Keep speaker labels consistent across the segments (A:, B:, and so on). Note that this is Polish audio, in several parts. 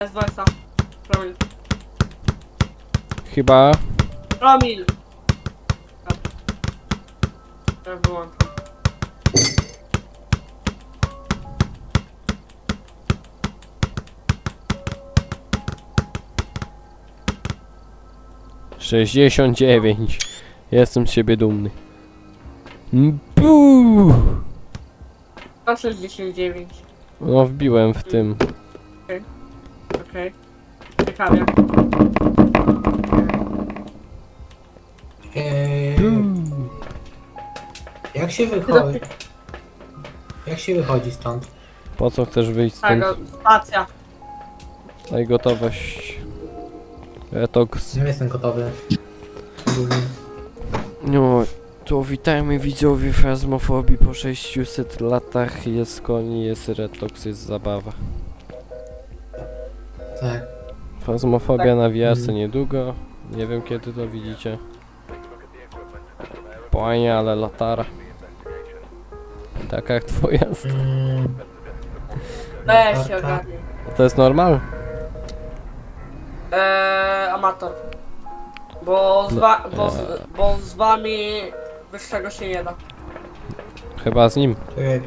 A: Jest 20. Promil.
B: Chyba...
A: Promil! Ja wyłączam.
B: ...69. Jestem z siebie dumny. Buu!
A: 169.
B: No wbiłem w tym.
A: Okej. Ciekawie.
C: Jak się wychodzi? Jak się wychodzi stąd?
B: Po co chcesz wyjść stąd?
A: Tego, stacja.
B: Daj gotowość. Retox.
C: Nie jestem gotowy. Ogólnie.
B: No, to witajmy widzowie Fazmofobii po 600 latach. Jest koni, jest retox, jest zabawa.
C: Tak.
B: Fazmofobia na VR niedługo. Nie wiem kiedy to widzicie. Płanie, ale latara. Taka jak twoja.
A: Weź się ogarnij.
B: To jest normal?
A: Amator. Bo z wami wyższego się nie da.
B: Chyba z nim.
C: Czekaj.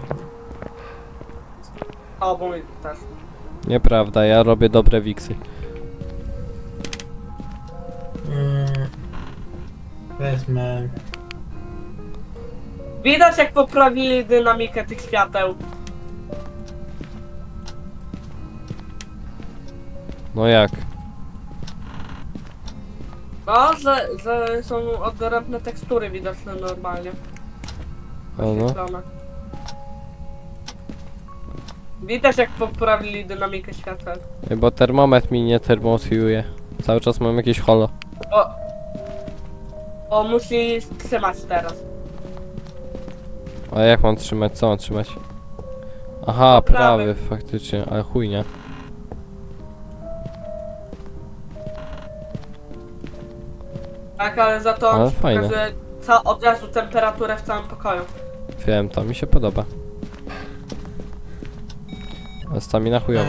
A: O, bo mi też.
B: Nieprawda, ja robię dobre wiksy.
C: Wezmę.
A: Widać jak poprawili dynamikę tych świateł.
B: No jak?
A: No, że są odrębne tekstury widoczne normalnie.
B: O no.
A: Oświetlone. Widać jak poprawili dynamikę świateł.
B: Bo termometr mi nie termotiuje. Cały czas mam jakieś holo.
A: O, musi trzymać teraz.
B: A jak mam trzymać? Co mam trzymać? Aha,
A: No, prawy.
B: prawy, faktycznie, ale chujnia.
A: Tak, ale za to
B: Ale
A: on ci
B: fajne.
A: pokazuje od razu temperaturę w całym pokoju.
B: Wiem, to mi się podoba. A stamina chujowa.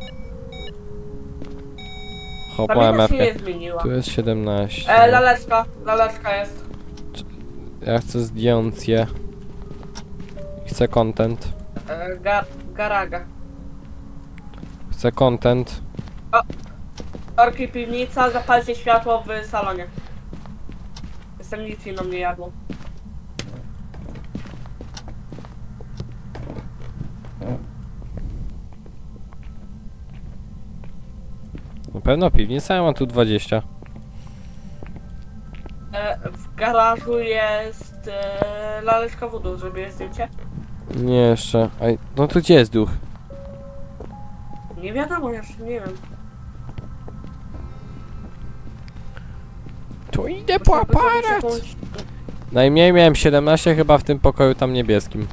B: Hop,
A: Pamięta
B: mam
A: się nie
B: MFkę.
A: zmieniła.
B: Tu jest 17.
A: Laleczka jest.
B: Ja chcę zdjąć je. Chcę content.
A: Garaga.
B: Chcę content.
A: Orki piwnica, zapalcie światło w salonie. Jestem nic inną nie jadło.
B: Na pewno piwnica, ja mam tu 20.
A: W garażu jest laleczka wodu, żeby zdjęcie.
B: Nie jeszcze. Aj, no to gdzie jest duch?
A: Nie wiadomo, jeszcze nie wiem.
B: To idę po
A: Muszę zrobić
B: aparat!
A: jakąś-
B: Najmniej miałem 17 chyba w tym pokoju tam niebieskim.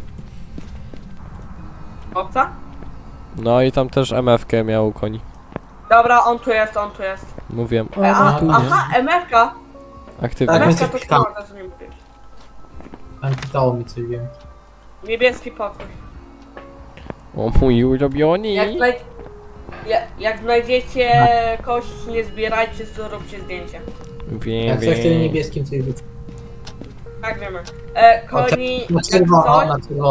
A: Obca?
B: No i tam też MF-kę miał koni.
A: Dobra, on tu jest.
B: Mówiłem.
A: Aha, MFK!
B: Aktywnie.
C: Tak,
A: MFK
C: więc
A: to
C: klikam.
A: co nie mówisz.
C: Tam pytało mi coś, wiem.
A: Niebieski pokój.
B: O mój ulubiony.
A: Jak znajdziecie kość, nie zbierajcie, zróbcie zdjęcie.
B: Wiem,
C: Jak coś w tym
B: wiem.
C: niebieskim coś być.
A: Tak wiemy. Koni,
C: Na
A: jak
C: czerwono,
A: coś,
C: na czerwono.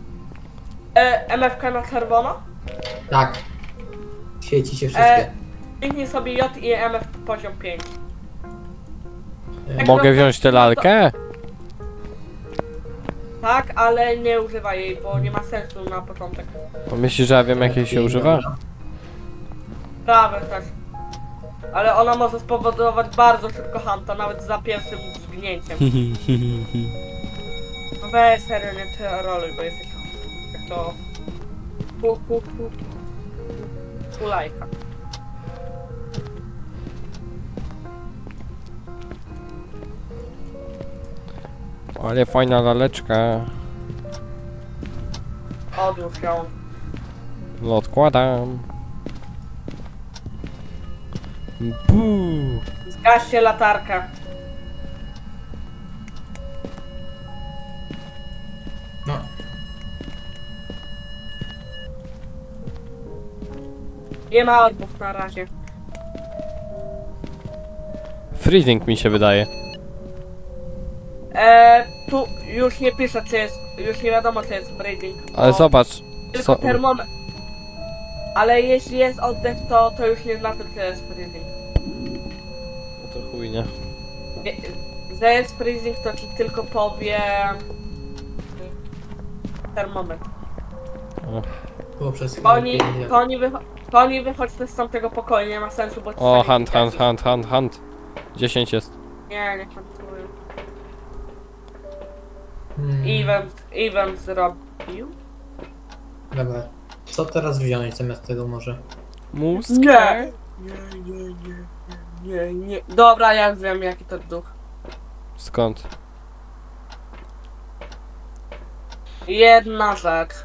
A: MFK na czerwono.
C: Tak. Świeci się wszystkie.
A: Kliknij sobie J i MF poziom 5.
B: Mogę wziąć tę lalkę?
A: Tak, ale nie używaj jej, bo nie ma sensu na początek.
B: A myślisz, że ja wiem jakiej się używa?
A: Prawe też. Ale ona może spowodować bardzo szybko hunta, nawet za pierwszym zgnięciem. No weź serio, nie troluj, bo jesteś jak to... Kulajka.
B: Ale fajna laleczka.
A: Odłóż ją.
B: No odkładam. Buu.
A: Zgaście latarkę.
C: No.
A: Nie ma orbów na razie.
B: Freezing mi się wydaje.
A: Tu już nie pisze, czy jest, już nie wiadomo, czy jest breeding.
B: Ale
A: bo
B: zobacz.
A: Tylko termometr. Ale jeśli jest oddech, to już nie znaczy, że jest freezing.
B: No to chuj, nie?
A: Że jest freezing, to ci tylko powie... termometr.
B: O,
C: Było przez chwilę.
A: Koni,
C: pięknie.
A: koni wychodźcie z tamtego pokoju, nie ma sensu, bo...
B: o
A: sami
B: hunt. 10 jest.
A: Nie, nie hantuję.
C: Hmm.
A: Event zrobił?
C: Dobra. Co teraz wziąć zamiast tego może?
B: Mózg?
A: Nie. Nie. Dobra, ja już wiem, jaki to duch.
B: Skąd?
A: Jedna rzecz.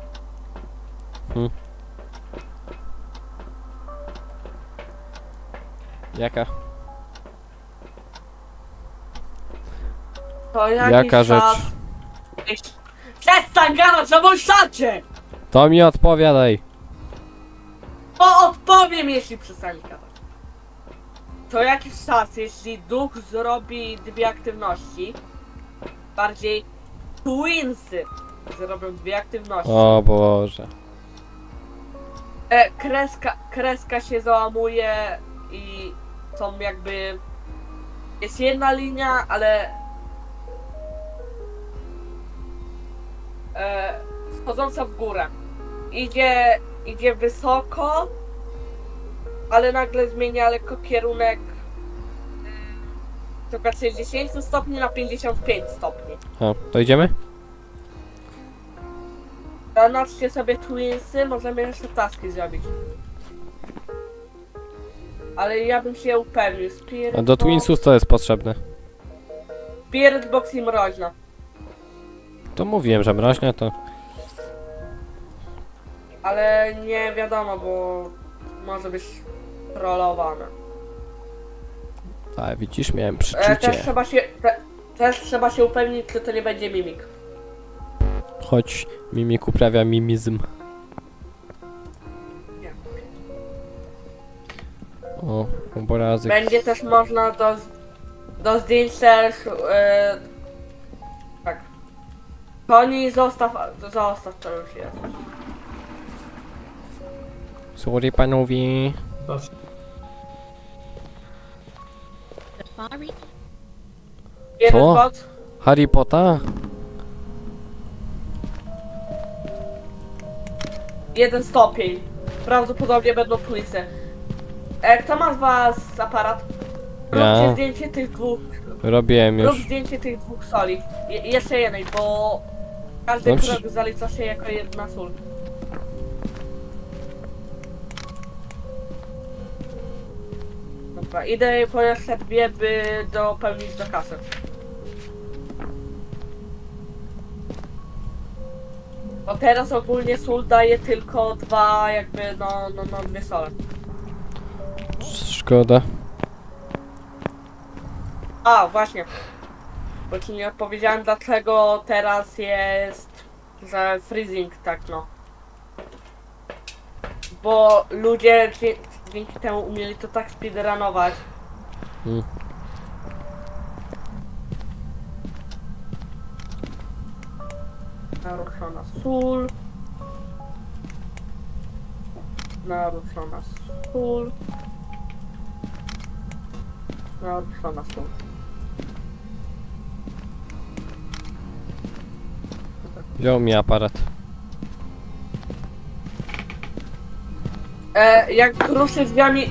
B: Jaka?
A: To jakiś
B: Jaka rzecz?
A: czas... Przestań gadać na wąsacie!
B: To mi odpowiadaj.
A: To odpowiem, jeśli przestanie gadać. To jakiś czas, jeśli duch zrobi dwie aktywności, bardziej twinsy zrobią dwie aktywności,
B: O Boże.
A: kreska się załamuje i są jakby... Jest jedna linia, ale... Schodząca w górę. Idzie wysoko, ale nagle zmienia lekko kierunek tylko 60 stopni na 55 stopni.
B: O, to idziemy?
A: Zanaczcie sobie twinsy, możemy jeszcze taski zrobić. Ale ja bym się upewnił.
B: A do Twinsów co jest potrzebne?
A: Spirit box i mroźna.
B: To mówiłem, że mroźnia to...
A: Ale nie wiadomo, bo może być trollowane.
B: A widzisz, miałem
A: Też
B: przeczucie.
A: też trzeba się upewnić, czy to nie będzie mimik.
B: Choć mimik uprawia mimizm.
A: Nie.
B: O, obrazy.
A: Będzie też można do zdjęć też... tak. Koni zostaw to już jest.
B: Sorry panowie.
C: Proszę.
D: Safari?
A: Jeden
B: Co?
A: bot.
B: Harry Potter?
A: 1 stopień. Prawdopodobnie będą twinsy. Kto ma z was aparat?
B: Ja.
A: Róbcie zdjęcie tych dwóch.
B: Robiłem
A: Rób
B: już.
A: zdjęcie tych dwóch soli. Jeszcze jednej, bo każdy
B: No
A: krok zalicza się jako jedna sól. Dobra, idę po jeszcze dwie, by dopełnić do kasy. Bo teraz ogólnie sól daje tylko dwa, jakby, no dwie sole.
B: Szkoda.
A: A, właśnie. Bo ci nie odpowiedziałem, dlaczego teraz jest, że freezing, tak no. Bo ludzie dzięki temu umieli to tak speedrunować.
B: Hmm.
A: Naruszona sól. Naruszona sól. Naruszona sól.
B: Wziął mi aparat.
A: Jak ruszy drzwiami...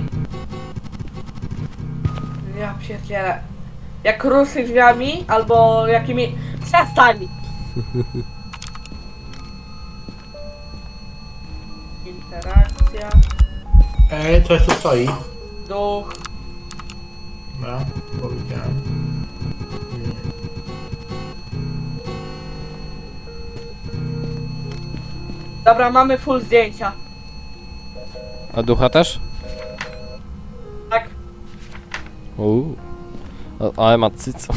A: Ja pierdzielę. Jak ruszy drzwiami, albo jakimi... Przestań! Interakcja.
C: Coś tu stoi.
A: Duch.
C: Dobra, powiedziałem.
A: Dobra, mamy full zdjęcia.
B: A ducha też?
A: Tak.
B: Ale ma cyco.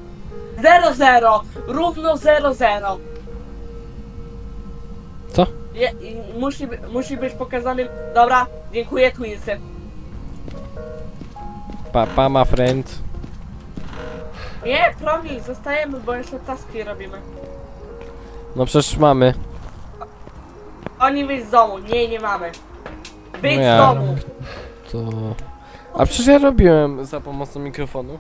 A: 0-0. Równo 0-0.
B: Co?
A: Musi być pokazany... Dobra, dziękuję, Twinsy.
B: Papa, my friend.
A: Nie, Promi, zostajemy, bo jeszcze taski robimy.
B: No przecież mamy.
A: Oni wyjść z domu. Nie mamy. Wyjdź
B: No
A: z
B: ja-
A: domu.
B: To... A przecież ja robiłem za pomocą mikrofonu.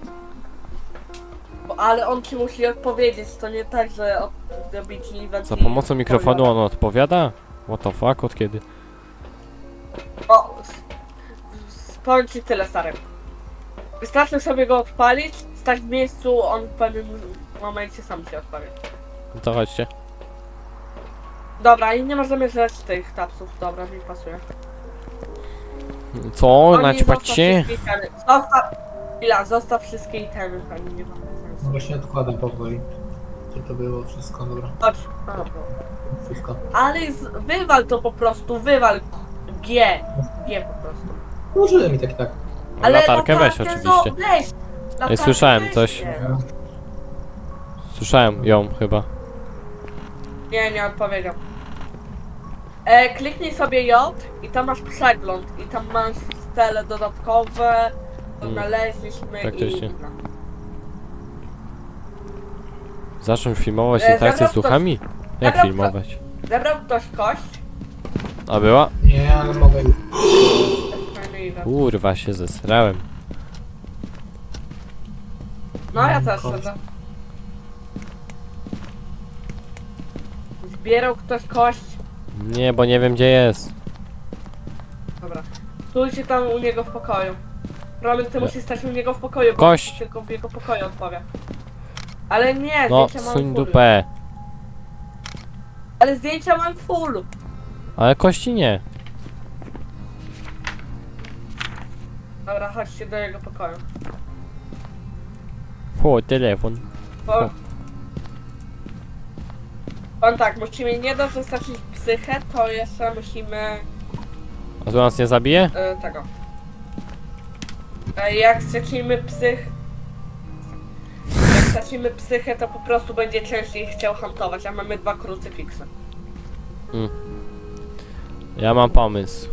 A: Ale on ci musi odpowiedzieć, to nie tak, że robi ci event
B: Za
A: i
B: pomocą mikrofonu
A: odpowiada.
B: on odpowiada? What the fuck, od kiedy?
A: O, powiem ci tyle, stary. Wystarczy sobie go odpalić, stać w miejscu, on w pewnym momencie sam ci odpowie.
B: No to chodźcie.
A: Dobra, i nie możemy żreć tych tapsów, dobra, mi pasuje.
B: Co?
A: Oni
B: Naćpać
A: zostaw
B: się?
A: wszystkie itemy. Zostaw wszystkie itemy, ani nie ma
C: No
A: sensu.
C: właśnie odkładam powoli. Gdzie to było wszystko, dobra.
A: Chodź.
C: Wszystko.
A: Ale wywal to po prostu, wywal G po prostu.
C: Użyłem i tak i tak.
B: Latarkę weź
A: no
B: oczywiście.
A: weź. Latarkę
B: słyszałem
A: weź,
B: coś.
A: nie.
B: Słyszałem ją chyba.
A: Nie odpowiedział. Kliknij sobie J i tam masz przegląd i tam masz cele dodatkowe, odnaleźliśmy
B: Faktycznie.
A: i...
B: Zacząć filmować
A: zabrał
B: interakcję z
A: ktoś-
B: duchami? Jak
A: zabrał
B: filmować?
A: Zebrał ktoś kość?
B: A była?
C: Nie, ale mogę już.
A: Fajny event.
B: Kurwa się zesrałem.
A: No ja też
C: Kość.
A: siedzę. Zbierał ktoś kość?
B: Nie, bo nie wiem gdzie jest.
A: Dobra. Stójcie tam u niego w pokoju. Problem, ty
B: Nie.
A: musisz stać u niego w pokoju, bo
B: Kość.
A: tylko w jego pokoju odpowie. Ale nie,
B: No,
A: zdjęcia mam
B: suń
A: full.
B: dupę.
A: Ale zdjęcia mam full.
B: Ale kości nie.
A: Dobra, chodźcie do jego pokoju.
B: O, telefon.
A: Bo... On tak, musimy nie dość dostarczyć psychę, to jeszcze musimy
B: A tu nas nie zabije?
A: tego. Jak stracimy jak stracimy psychę, to po prostu będzie częściej chciał hantować, a mamy 2 krucyfiksy.
B: Ja mam pomysł.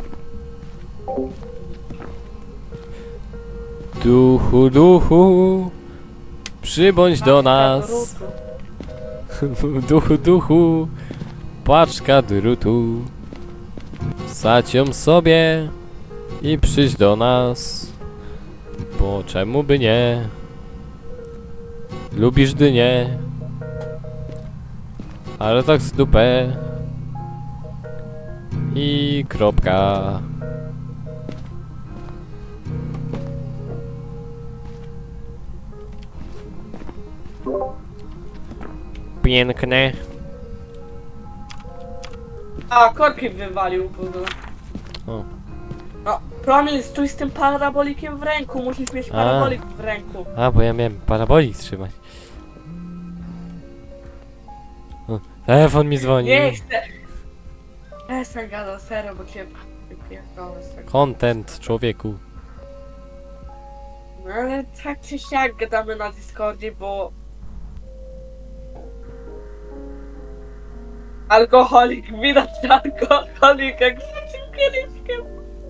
B: Duchu, duchu, przybądź do nas. Duchu, duchu, paczka drutu. Sadź ją sobie i przyjdź do nas. Bo czemu by nie? Lubisz dynię, ale tak z dupę. I kropka. Piękne.
A: A, korki wywalił w ogóle.
B: O.
A: No, Promil, stój z tym parabolikiem w ręku, musisz mieć parabolik w ręku.
B: A, bo ja miałem parabolik trzymać. O, telefon mi dzwoni.
A: Nie chcę. Przestań gadać, serio, bo cię wypierdolę z tego.
B: Content, człowieku.
A: No ale tak czy siak gadamy na Discordzie, bo... Alkoholik, widać alkoholik jak trzecim kieliszkiem.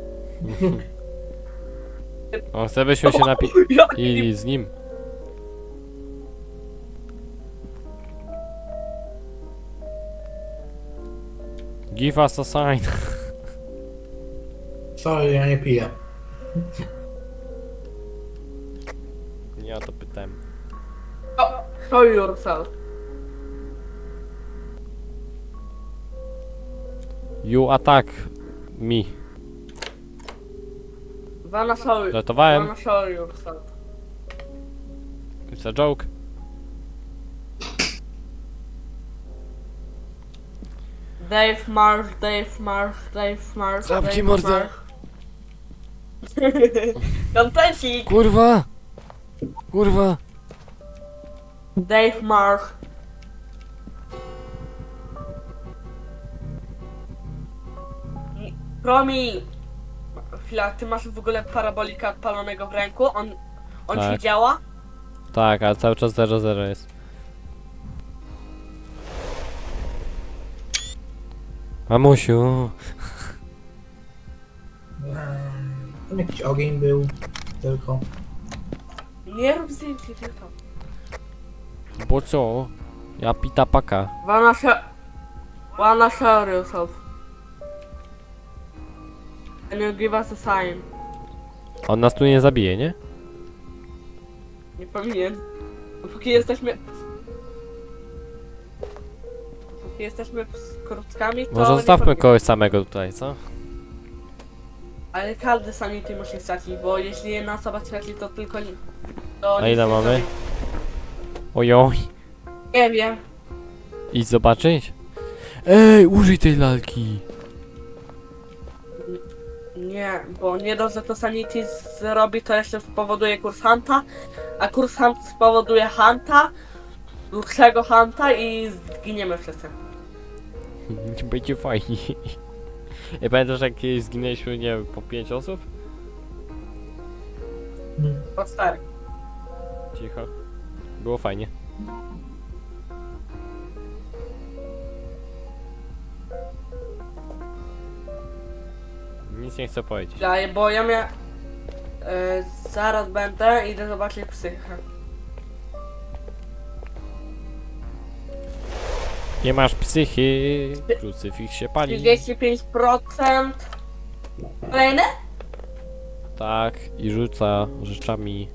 B: On chce, byśmy się napi... I z nim. Give us a sign.
C: Sorry, ja nie piję.
B: Nie o to pytałem.
A: Show yourself.
B: You attack me.
A: Wanna show
B: Żartowałem.
A: Wanna show yourself.
B: It's a joke.
A: Dave Marsh, Dave Marsh, Dave Marsh,
B: Zamknij
A: Dave
B: mordę.
A: Marsh. Kontencik!
B: Kurwa! Kurwa!
A: Dave Marsh. Promi! Chwila, ty masz w ogóle parabolika odpalonego w ręku? On
B: Tak.
A: ci działa?
B: Tak, ale cały czas 0-0 jest. Mamusiu.
C: Tam jakiś ogień był, tylko.
A: Nie rób zdjęć, tylko.
B: Bo co? Ja pita paka.
A: Wanna show yourself. And you give us a sign.
B: On nas tu nie zabije, nie?
A: Nie powinien. Póki jesteśmy... Póki jesteśmy z krótkami, to
B: Może
A: nie
B: zostawmy
A: powinien.
B: kogoś samego tutaj, co?
A: Ale każdy sanity musi stracić, bo jeśli jedna osoba straci, to tylko... To
B: A
A: nic
B: ile
A: nie
B: mamy?
A: zrobi.
B: Ojoj.
A: Nie wiem.
B: Idź zobaczyć. Ej, użyj tej lalki.
A: Nie, bo nie dość, że to sanity zrobi, to jeszcze spowoduje kurs Hunta, a kurs Hunt spowoduje Hunta, dłuższego Hunta i zginiemy wszyscy.
B: Będzie fajnie. I pamiętasz jak kiedyś zginęliśmy, nie wiem, po 5 osób?
A: Po 4.
B: Cicho. Było fajnie. Nic nie chcę powiedzieć.
A: Bo ja miałem... zaraz będę, idę zobaczyć psychę.
B: Nie masz psychy. Krucyfiks się pali.
A: 35%. Kolejne?
B: Tak, i rzuca rzeczami.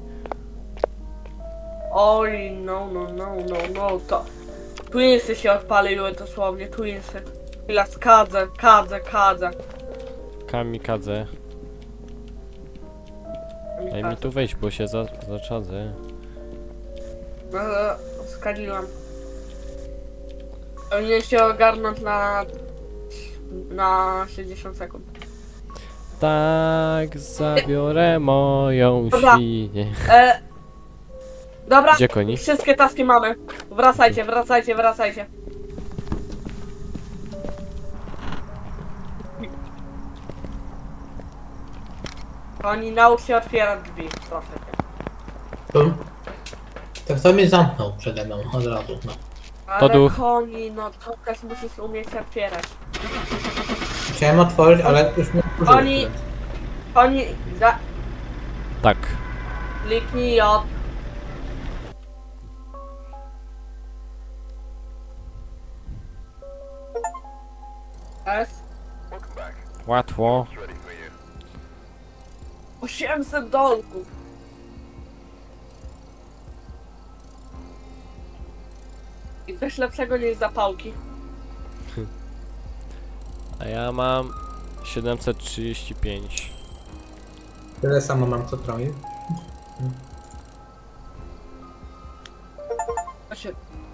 A: Oj, no, to... Twinsy się odpaliły dosłownie, Twinsy. Chwila, kadzę.
B: Kamikadze. Daj mi tu wejść, bo się zaczadzę.
A: No, skadziłam. Powinien się ogarnąć na 60 sekund.
B: Tak, zabiorę moją
A: Dobra.
B: świnię.
A: Dobra,
B: Gdzie koni?
A: wszystkie taski mamy. Wracajcie. Koni, naucz się otwierać drzwi, proszę cię.
C: Tak to mnie zamknął przede mną od razu. No.
A: Ale
B: duch.
A: koni, no to też musisz umieć otwierać.
C: Chciałem otworzyć, ale już nie
A: Oni-
C: otworzyłem.
A: Koni,
B: Tak.
A: kliknij J. S.
B: Łatwo.
A: 800 dolków. I coś lepszego niż zapałki.
B: A ja mam 735.
C: Tyle samo mam co troje.